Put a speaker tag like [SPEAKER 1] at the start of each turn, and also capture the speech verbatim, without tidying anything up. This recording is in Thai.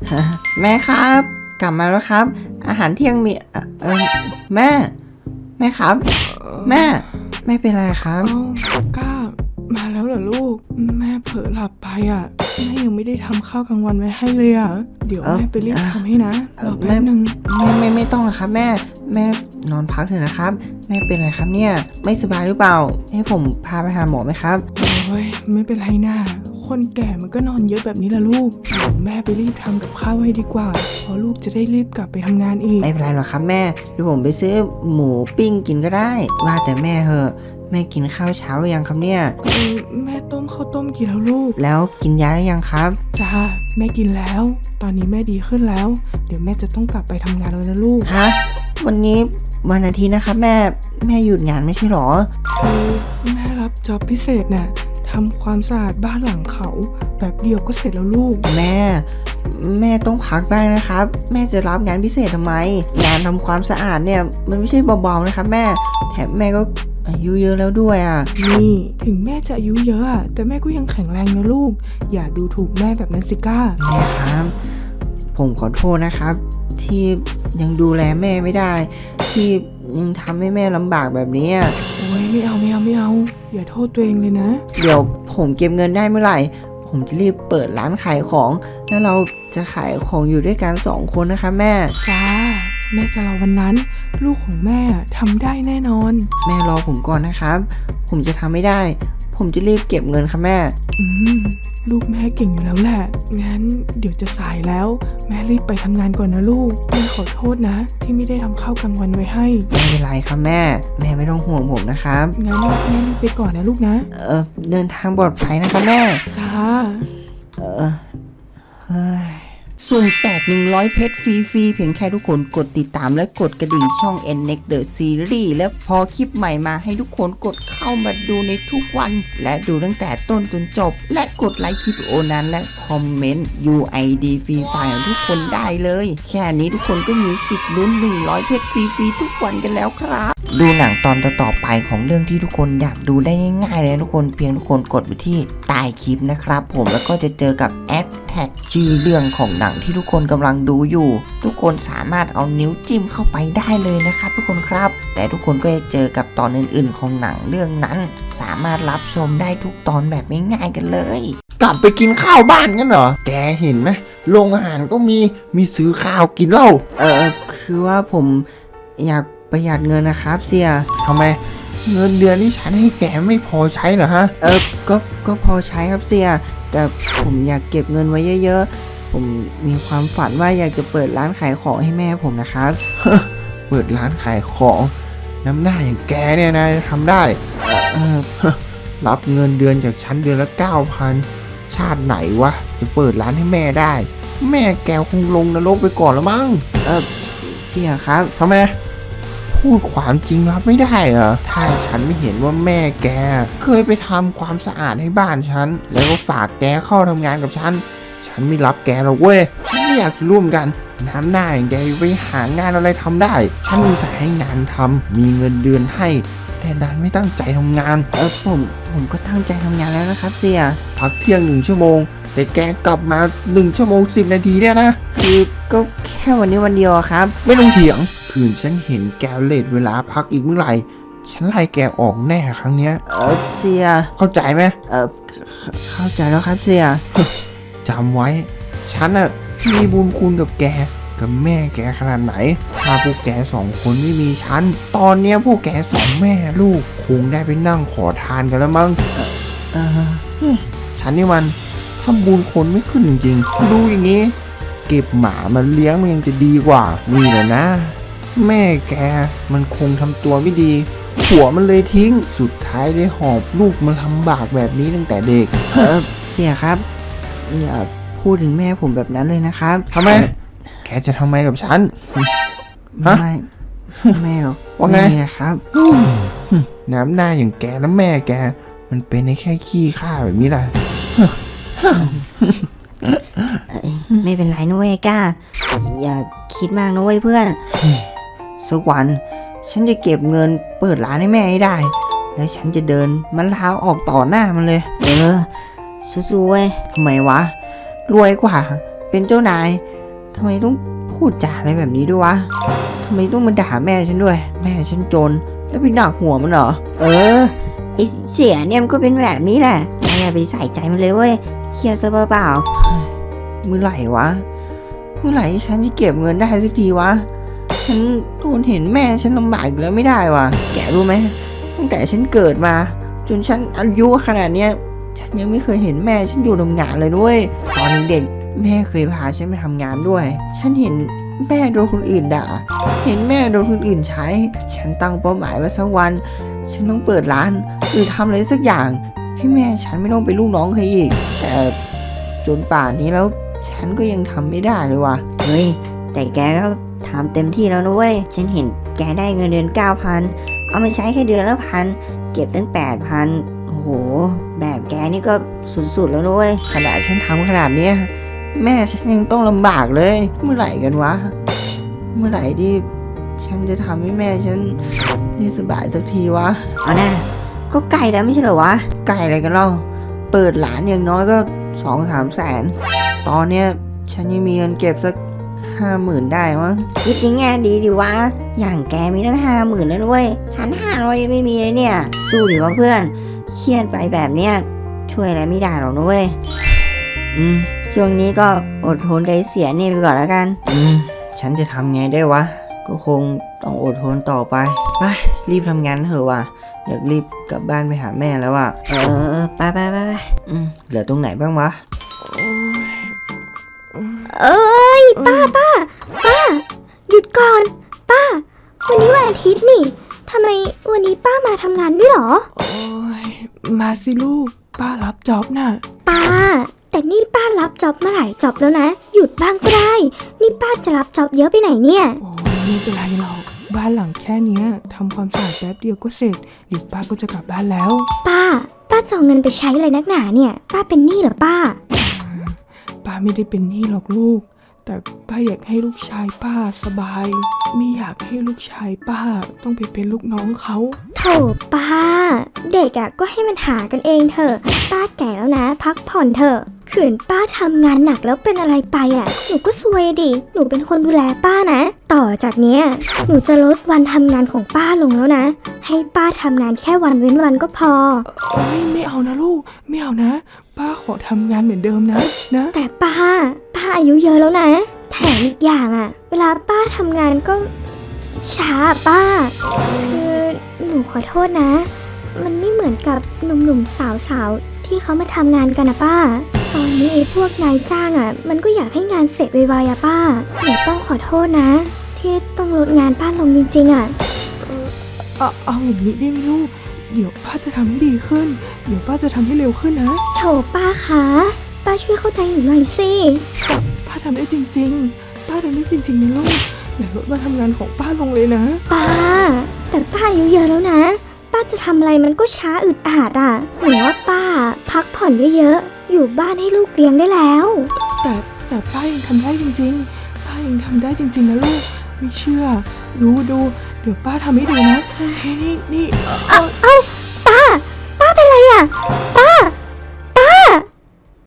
[SPEAKER 1] แม่ครับกลับมาแล้วครับอาหารเที่ยงมีเอ่อเออแม่แม่ครับแม่แม่เป็นไรครับ
[SPEAKER 2] เอ้าก้ามาแล้วเหรอลูกแม่เผลอหลับไปอ่ะแม่ยังไม่ได้ทำข้าวกลางวันไว้ให้เลยอ่ะเดี๋ยวแม่ไปรีบทำให้นะรอแป๊บนึง
[SPEAKER 1] ไม่ไม่ไม่ต้องนะครับแม่แม่นอนพักเถอะนะครับแม่เป็นไรครับเนี่ยไม่สบายหรือเปล่าให้ผมพาไปหาหมอไหมครับ
[SPEAKER 2] โอ้ยไม่เป็นไรนะคนแก่มันก็นอนเยอะแบบนี้แหละลูกเดี๋ยวแม่ไปรีบทำกับข้าวให้ดีกว่าเพราะลูกจะได้รีบกลับไปทำงานอีก
[SPEAKER 1] ไม่เป็นไรหรอกครับแม่เดี๋ยวผมไปซื้อหมูปิ้งกินก็ได้ว่าแต่แม่เหอะแม่กินข้าวเช้าหรือยังครับเนี่ย
[SPEAKER 2] เออแม่ต้มข้าวต้มกินแล้วลูก
[SPEAKER 1] แล้วกินยาหรือยังครับ
[SPEAKER 2] จ้าแม่กินแล้วตอนนี้แม่ดีขึ้นแล้วเดี๋ยวแม่จะต้องกลับไปทำงานแล้วนะลูก
[SPEAKER 1] ฮะวันนี้วันอาทิตย์นะครับแม่แม่หยุดงานไม่ใช่หรอ
[SPEAKER 2] คือแม่รับจ็อบพิเศษน่ะทำความสะอาดบ้านหลังเขาแบบเดียวก็เสร็จแล้วลูก
[SPEAKER 1] แม่แม่ต้องพักบ้างนะครับแม่จะรับงานพิเศษทำไมงานทำความสะอาดเนี่ยมันไม่ใช่เบาๆนะครับแม่แถมแม่ก็อายุเยอะแล้วด้วยอ่ะ
[SPEAKER 2] นี่ถึงแม่จะอายุเยอะอะแต่แม่ก็ยังแข็งแรงนะลูกอย่าดูถูกแม่แบบนั้นสิก้า
[SPEAKER 1] แม่ครับผมขอโทษนะครับที่ยังดูแลแม่ไม่ได้ที่ยังทำให้แม่ลำบากแบบนี้
[SPEAKER 2] โอ้ยไม่เอาไม่เอาไม่เอาอย่าโทษตัวเองเลยนะ
[SPEAKER 1] เดี๋ยวผมเก็บเงินได้เมื่อไหร่ผมจะรีบเปิดร้านขายของแล้วเราจะขายของอยู่ด้วยกันสองคนนะคะแม่
[SPEAKER 2] จ้าแม่จะรอวันนั้นลูกของแม่ทำได้แน่นอน
[SPEAKER 1] แม่รอผมก่อนนะครับผมจะทำไม่ได้ผมจะรีบเก็บเงินค่ะแม่
[SPEAKER 2] อืมลูกแม่เก่งอยู่แล้วแหละงั้นเดี๋ยวจะสายแล้วแม่รีบไปทำงานก่อนนะลูกแม่ขอโทษนะที่ไม่ได้ทำข้าวกลางวันไว้ให้
[SPEAKER 1] ไม่เป็นไรครับแม่แม่ไม่ต้องห่วงผมนะครับ
[SPEAKER 2] งั้นแม่รีบไปก่อนนะลูกนะ
[SPEAKER 1] เออเดินทางปลอดภัยนะครับแม่
[SPEAKER 2] จ้า
[SPEAKER 1] เออเฮ้ยส่วนแจกหนึ่งร้อยเพชรฟรีๆเพียงแค่ทุกคนกดติดตามและกดกระดิ่งช่อง เอ็น เน็กซ์ The Series และพอคลิปใหม่มาให้ทุกคนกดเข้ามาดูในทุกวันและดูตั้งแต่ต้นจนจบและกดไลค์คลิปโอนั้นและคอมเมนต์ ยู ไอ ดี ฟรีไฟล์ของทุกคนได้เลยแค่นี้ทุกคนก็มีสิทธิ์ลุ้นหนึ่งร้อยเพชรฟรีๆทุกวันกันแล้วครับดูหนังตอนต่อๆไปของเรื่องที่ทุกคนอยากดูได้ง่ายๆเลยทุกคนเพียงทุกคนกดไปที่ใต้คลิปนะครับผมแล้วก็จะเจอกับแอดแท็กชื่อเรื่องของหนังที่ทุกคนกำลังดูอยู่ทุกคนสามารถเอานิ้วจิ้มเข้าไปได้เลยนะครับทุกคนครับแต่ทุกคนก็จะเจอกับตอนอื่นๆของหนังเรื่องนั้นสามารถรับชมได้ทุกตอนแบบง่ายๆกันเลย
[SPEAKER 3] กลับไปกินข้าวบ้านกันเหรอแกเห็นไหมโรงอาหารก็มีมีซื้อข้าวกินเหล้า
[SPEAKER 1] เออคือว่าผมอยากประหยัดเงินนะครับเสีย
[SPEAKER 3] ทำไมเงินเดือนที่ฉันให้แกไม่พอใช้เหรอฮะ
[SPEAKER 1] เออก็ก็พอใช้ครับเสียแต่ผมอยากเก็บเงินไว้เยอะๆผมมีความฝันว่าอยากจะเปิดร้านขายของให้แม่ผมนะครับ
[SPEAKER 3] เปิดร้านขายของน้ำหน้าอย่างแกเนี่ยนะทำได้
[SPEAKER 1] เออ
[SPEAKER 3] รับเงินเดือนจากฉันเดือนละ เก้าพัน ชาติไหนวะจะเปิดร้านให้แม่ได้แม่แกคงลงนรกไปก่อนแล้วมั้ง
[SPEAKER 1] เออเสียครับ
[SPEAKER 3] ทำไมพูดความจริงรับไม่ได้เหรอถ้าฉันไม่เห็นว่าแม่แกเคยไปทำความสะอาดให้บ้านฉันแล้วก็ฝากแกเข้าทำงานกับฉันฉันไม่รับแกหรอกเว้ยฉันไม่อยากร่วมกันน้ำหน้าอย่างแกไปหางานอะไรทำได้ฉันมีสายให้งานทำมีเงินเดือนให้แต่ดันไม่ตั้งใจทำงาน
[SPEAKER 1] เออผมผมก็ตั้งใจทำงานแล้วนะครับเสีย
[SPEAKER 3] พักเที่ยงหนึ่งชั่วโมงแต่แกกลับมาหนึ่งชั่วโมงสิบนาทีเนี่ยนะ
[SPEAKER 1] คือก็แค่วันนี้วันเดียวครับ
[SPEAKER 3] ไม่ต้องเถียงคืนฉันเห็นแกเลทเวลาพักอีกเมื่อไหร่ฉันไล่แกออกแน่ครั้งเนี้ย
[SPEAKER 1] เออเสีย
[SPEAKER 3] เข้าใจไหม
[SPEAKER 1] เออเข้าใจแล้วครับเสีย
[SPEAKER 3] จำไว้ฉันน่ะมีบุญคุณกับแกกับแม่แกขนาดไหนถ้าพวกแกสองคนไม่มีฉันตอนเนี้ยพวกแกสองแม่ลูกคงได้ไปนั่งขอทานกันแล้วมั้ง
[SPEAKER 1] เออ
[SPEAKER 3] ฉันนี่มันทำบุญคนไม่ขึ้นจริงๆดูอย่างงี้เก็บหมามันเลี้ยงมันยังจะดีกว่านี่แหละนะแม่แกมันคงทำตัวไม่ดีผัวมันเลยทิ้งสุดท้ายได้หอบลูกมันลำบากแบบนี้ตั้งแต่เด็ก
[SPEAKER 1] เออเสียครับอย่าพูดถึงแม่ผมแบบนั้นเลยนะครับ
[SPEAKER 3] ทำไมแกจะทำไมกับฉัน
[SPEAKER 1] ไม่ไม่หรอก
[SPEAKER 3] ว่าไง
[SPEAKER 1] นะครับ
[SPEAKER 3] น้ำหน้าอย่างแกและแม่แกมันเป็นในแค่ขี้ข้าแบบนี้แหละ
[SPEAKER 1] ไม่เป็นไรนะเว้ยก้าอย่าคิดมากนะเว้ยเพื่อนสักวันฉันจะเก็บเงินเปิดร้านให้แม่ให้ได้แล้วฉันจะเดินมันลาออกต่อหน้ามันเลยเออสู้ๆเว้ยทำไมวะรวยกว่าเป็นเจ้านายทำไมต้องพูดจาอะไรแบบนี้ด้วยวะทำไมต้องมาด่าแม่ฉันด้วย แม่ฉันจนแล้วไปหนักหัวมันเหรอ
[SPEAKER 4] เออไอเสียเนี่ยมันก็เป็นแบบนี้แหละอย่าไปใส่ใจมันเลยเว้ยเครียดซะเปล่า
[SPEAKER 1] เมื่อไหร่วะ เมื่อไหร่ฉันจะเก็บเงินได้สักทีวะ ฉันทนเห็นแม่ฉันลำบากอีกแล้วไม่ได้วะแกรู้ไหมตั้งแต่ฉันเกิดมา จนฉันอายุขนาดเนี้ยฉันยังไม่เคยเห็นแม่ฉันอยู่ทำงานเลยด้วยตอนเด็กแม่เคยพาฉันไปทำงานด้วย ฉันเห็นแม่โดนคนอื่นด่า เห็นแม่โดนคนอื่นใช้ ฉันตั้งเป้าหมายว่าสักวัน ฉันต้องเปิดร้านหรือทำอะไรสักอย่าง ให้แม่ฉันไม่ต้องเป็นลูกน้องใครอีก แต่จนป่านนี้แล้วฉันก็ยังทำไม่ได้เลยว่ะ
[SPEAKER 4] ๆเฮ้ยแต่แกก็ทำเต็มที่แล้วนะเว้ยฉันเห็นแกได้เงินเดือนเก้าพันเอามาใช้แค่เดือนละพันเก็บตั้งแปดพันโอ้โหแบบแกนี่ก็สุดๆแล้วนะเว้ย
[SPEAKER 1] ขนาดฉันทำขนาดเนี้ยแม่ฉันยังต้องลำบากเลย เมื่อไหร่กันวะ เมื่อไหร่ที่ฉันจะทำให้แม่ฉันได้สบายสักทีวะ
[SPEAKER 4] เอานะก็ใกล้แล้วไม่ใช่เหรอวะ
[SPEAKER 1] ไก่อะไรกันเล่าเปิดร้านอย่างน้อยก็สองสามแสนตอนเนี้ยฉันยังมีเงินเก็บสักห้าหมื่นได้มั้ง
[SPEAKER 4] คิดในแง่ดีดิวะอย่างแกมีตั้งห้าหมื่นแล้วนะเว้ยฉันห้าร้อยยังไม่มีเลยเนี่ยสู้ดิวะเพื่อนเครียดไปแบบเนี้ยช่วยอะไรไม่ได้หรอกนะเว้ย
[SPEAKER 1] อืม
[SPEAKER 4] ช่วงนี้ก็อดทนใจเสียนี่ไปก่อนแล้วกัน
[SPEAKER 1] อืมฉันจะทำไงได้วะ ก็คงต้องอดทนต่อไปไปรีบทำงานเถอะว่ะอยากรีบกลับบ้านไปหาแม่แล้วอ่ะ
[SPEAKER 4] เออไปไปไปไป
[SPEAKER 1] อืมเหลือตรงไหนบ้างวะ
[SPEAKER 2] โอ้ย
[SPEAKER 5] เอ้ยป้าป้าป้าหยุดก่อน ป้า วันนี้วันอาทิตย์นี่ทำไมวันนี้ป้ามาทำงานด้วยเหรอ
[SPEAKER 2] โอ้ยมาสิลูกป้ารับจ็อบน่ะ
[SPEAKER 5] ป้า แต่นี่ป้ารับจ็อบมาหลายจ็อบแล้วนะ หยุดบ้างก็ได้ นี่ป้าจะรับจ็อบเยอะไปไหนเนี่ย
[SPEAKER 2] โอ้ยไม่เป็นไรหรอกบ้านหลังแค่เนี้ยทำความสะอาดแป๊บเดียวก็เสร็จเดี๋ยวป้าก็จะกลับบ้านแล้ว
[SPEAKER 5] ป้า ป้าจะเอาเงินไปใช้อะไรนักหนาเนี่ย ป้าเป็นหนี้เหรอป้า
[SPEAKER 2] ป้าไม่ได้เป็นหนี้หรอกลูก แต่ป้าอยากให้ลูกชายป้าสบาย ไม่อยากให้ลูกชายป้าต้องไปเป็นลูกน้องเขา
[SPEAKER 5] โถป้า เด็กอะก็ให้มันหากันเองเถอะ ป้าแก่แล้วนะ พักผ่อนเถอะขืนป้าทำงานหนักแล้วเป็นอะไรไปอะหนูก็ซวยดิ หนูเป็นคนดูแลป้านะ ต่อจากเนี้ยหนูจะลดวันทำงานของป้าลงแล้วนะ ให้ป้าทำงานแค่วันเว้นวันก็พอ
[SPEAKER 2] โอ้ยไม่เอานะลูก ไม่เอานะ ป้าขอทำงานเหมือนเดิมนะนะ
[SPEAKER 5] แต่ป้า ป้าอายุเยอะแล้วนะ แถมอีกอย่างอะเวลาป้าทำงานก็ช้าอะป้า คือหนูขอโทษนะ มันไม่เหมือนกับหนุ่มๆสาวๆที่เขามาทำงานกันนะป้า ตอนนี้ไอ้พวกนายจ้างอะมันก็อยากให้งานเสร็จไวๆอะป้า หนูต้องขอโทษนะ ที่ต้องลดงานป้าลงจริงๆอะ
[SPEAKER 2] เอาเอาอย่างนี้ได้ไหมลูก เดี๋ยวป้าจะทำให้ดีขึ้น เดี๋ยวป้าจะทำให้เร็วขึ้นนะ
[SPEAKER 5] โถป้าคะป้าช่วยเข้าใจหนูหน่อยสิ
[SPEAKER 2] ป้าทำได้จริงๆ ป้าทำได้จริงๆนะลูก อย่าลดวันทำงานของป้าลงเลยนะ
[SPEAKER 5] ป้า แต่ป้าอายุเยอะแล้วนะ ป้าจะทำอะไรมันก็ช้าอึดอัดอ่ะหนูว่าป้า พักผ่อนเยอะๆ อยู่บ้านให้ลูกเลี้ยงได้แล้ว
[SPEAKER 2] แต่แต่ป้ายังทำได้จริงๆ ป้ายังทำได้จริงๆนะลูก ไม่เชื่อ ดูดู เดี๋ยวป้าทำให้ดูนะนี่นี่นี่
[SPEAKER 5] เอ้าเอ้า